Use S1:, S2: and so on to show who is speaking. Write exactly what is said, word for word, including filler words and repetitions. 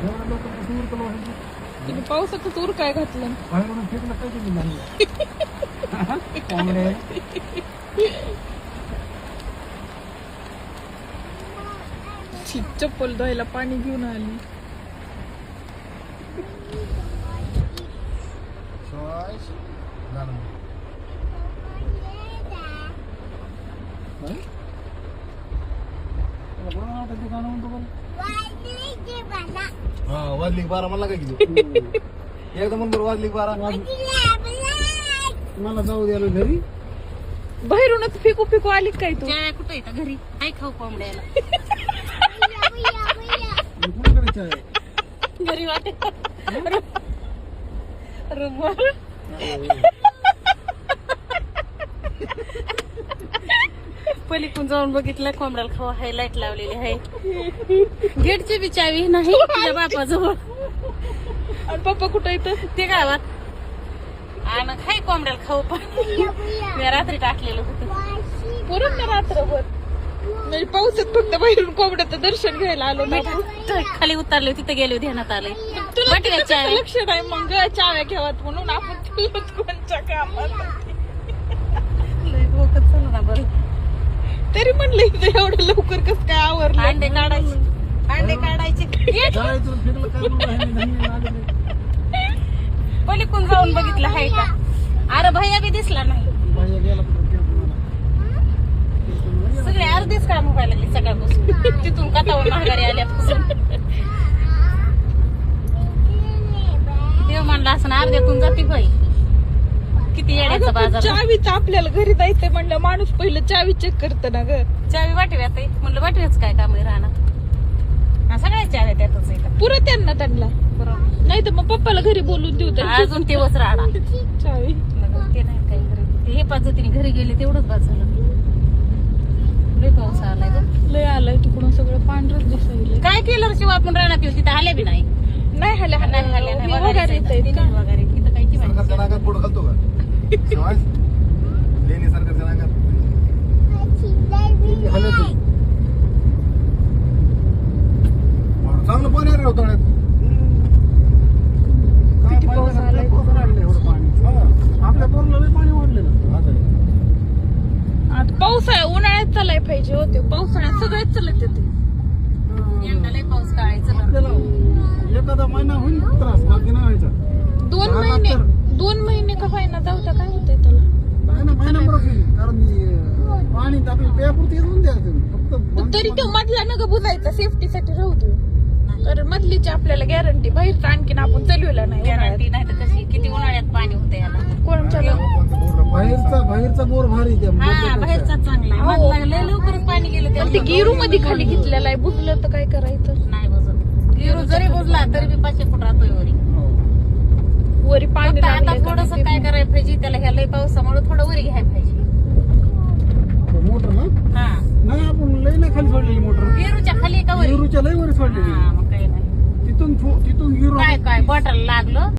S1: तुम्ही पावसाचं तूर काय घातलं
S2: बाहेरून फेकलं काय तुम्ही नाही कोंबडे
S1: ची, चप्पल धुवायला पाणी घेऊन आली
S2: हा वाजली बारा मला काय किती एकदा म्हणून वाजली बारा मला जाऊ द्यायला घरी
S1: बाहेरूनच फेकू फेकू आली काय तू
S3: कुठे येतं घरी काय खाऊ कोंबड्याला
S2: कोणाकडे आहे
S3: घरी वाटत पलीकडून जाऊन बघितलं कोंबड्याला खावा हाय लाईट लावलेली आहे गेटची बी चावी नाही तुझ्या बापाजवळ
S1: आणि पप्पा कुठं येतं
S3: ते गावात आणि खाय कोंबड्याला खाऊ पण मी रात्री टाकलेलं होतं
S1: पूर्ण रात्रभर नाही पावसात फक्त बाहेरून कोंबड्याचं दर्शन घ्यायला आलो ना
S3: मी खाली उतरले तिथे गेले ध्यानात आले
S1: तुला
S3: बटव्याच्या
S1: त्याचं
S3: चाव्या.
S1: लक्ष नाही मग चाव्या घेवत म्हणून आपण तुलाच कोणच्या कामात
S3: लय डोकं चालू ना बरं
S1: तरी म्हणलं इथं एवढं लवकर कस काय आवरलं
S3: अंडे काढायचे अंडे काढायचे
S2: जायचं फेकलं काय म्हणून आहे, नाही, नाही, नाही.
S3: पलीकडून जाऊन बघितलं हाय का अरे भैया बी दिसला नाही
S2: बाहेर गेला पण फेकलं मला.
S3: सगळे अर्धीच काम व्हायला लागली सकाळपासून तिथून कथावून माघारी आल्यापासून देव म्हणला असं अर्ध्यातून जाते बाई किती येण्याचा
S1: अगं, पण
S3: बाजार
S1: चावीच आपल्याला घरी जायचंय म्हणलं माणूस पहिलं चावी चेक करत ना ग
S3: चावी वाटव्यात आहे म्हणलं वाटव्याच काय काम आहे राहणार सगळ्या चाव्या त्यातच आहे
S1: पुरं त्यांना त्यांना
S3: बरोबर
S1: नाही तर मग पप्पाला घरी बोलून देऊ तर
S3: अजून तेवच राहणार
S1: चावी
S3: ते नाही काही घरी ते हे पद्धतीने घरी गेले तेवढंच बाद झालं लय पाऊस आलाय ग
S1: लय आलाय तिकडून सगळं पांढरच दिसायला
S3: काय केलं शिवाय आपण राहणार तिथे आले बी नाही
S1: नाही हल्या
S3: नाही आल्या नाही
S1: वगैरे
S3: वगैरे वगैरे तिथं काही की माहिती
S2: सरकारच्या नाकात बोट घालतो का शिवाय लेणी सरकारच्या नाकात लेणी हलवतो. चांगलं पाणी आहे रे उतरण्यात. काय
S1: किती पाऊस
S2: पाणी
S1: आलाय.
S2: कुठं राहिलं एवढं पाणी? हा. आपल्या पोरला लय पाणी वाढलेलं
S1: आता पावसाळा उन्हाळ्यात चालाय पाहिजे होते पावसाळ्यात सगळेच चालत येते
S3: यंदा लय पाऊस काढायचं
S2: आपल्याला एखादा महिना होईल त्रास बाकी नाही व्हायचा
S1: दोन
S2: हा,
S1: महिने
S2: तर.
S1: दोन महिने का फायना जाऊ द्या काय होतंय त्याला
S2: नाही ना महिना बरोबर होईल. कारण हे पाणी तर आपल्याला प्यापुरती येऊन द्यायचं फक्त बंद-
S1: तरी तो मधला नग बुजायचा सेफ्टीसाठी राहू दे कारण मधलीची आपल्याला गॅरंटी बाहेरचं आणखीन आपण चालवला नाही
S3: गॅरंटी नाही तर कशी किती उन्हाळ्यात पाणी होतं याला
S1: कोणच्या
S2: बाहेरचा बाहेरचा बोर भारी त्या
S3: हा
S2: बोरच्या
S3: बाहेरचा चांगला
S1: हो.
S3: मधला लय लवकरच पाणी गेलं
S1: ते
S3: त्याला
S1: गिरू मध्ये खाली घेतलेला आहे बुजलं तर काय करायचं
S3: नाही बुजत गिरू जरी बुजला तरी बी पाचशे फूट राहतोय वरी
S2: हो.
S1: वरी पाणी
S3: फक्त आता
S1: लागलंय का
S3: थोडस
S1: नाही ते
S3: काय करायला पाहिजे त्याला ह्या लय पावसामुळे थोडं वरी घ्यायला पाहिजे
S2: मोटर ना
S3: हा
S2: नाही आपण लय नाही खाली सोडलेली मोटर
S3: गिरूच्या खाली का वरी
S2: गिरूच्या लय वर सोडलेली
S3: हा मग काही नाही
S2: तिथून फो- तिथून गिरू
S3: काय काय बॉटल लागलं